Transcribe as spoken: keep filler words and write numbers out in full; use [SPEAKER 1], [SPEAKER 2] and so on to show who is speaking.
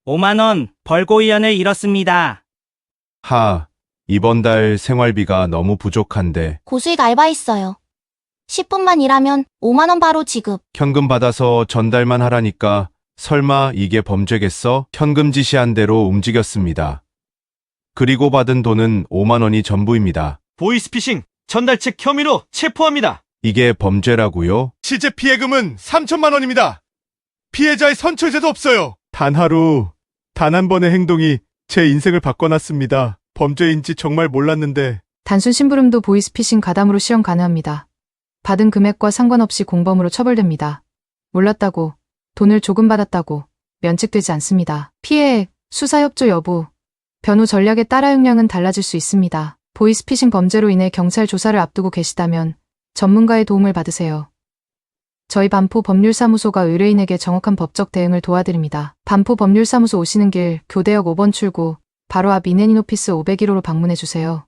[SPEAKER 1] 오만 원 벌고위원을 잃었습니다.
[SPEAKER 2] 하, 이번 달 생활비가 너무 부족한데
[SPEAKER 3] 고수익 알바했어요. 십 분만 일하면 오만 원 바로 지급.
[SPEAKER 2] 현금 받아서 전달만 하라니까 설마 이게 범죄겠어? 현금 지시한 대로 움직였습니다. 그리고 받은 돈은 오만 원이 전부입니다.
[SPEAKER 4] 보이스피싱 전달책 혐의로 체포합니다.
[SPEAKER 2] 이게 범죄라고요?
[SPEAKER 5] 실제 피해금은 삼천만 원입니다. 피해자의 선처제도 없어요. 단 하루, 단 한 번의 행동이 제 인생을 바꿔놨습니다. 범죄인지 정말 몰랐는데
[SPEAKER 6] 단순 심부름도 보이스피싱 가담으로 시험 가능합니다. 받은 금액과 상관없이 공범으로 처벌됩니다. 몰랐다고, 돈을 조금 받았다고 면책되지 않습니다. 피해액, 수사협조 여부, 변호 전략에 따라 형량은 달라질 수 있습니다. 보이스피싱 범죄로 인해 경찰 조사를 앞두고 계시다면 전문가의 도움을 받으세요. 저희 반포 법률사무소가 의뢰인에게 정확한 법적 대응을 도와드립니다. 반포 법률사무소 오시는 길 교대역 오 번 출구 바로 앞 이내닌 오피스 오백일 호로 방문해주세요.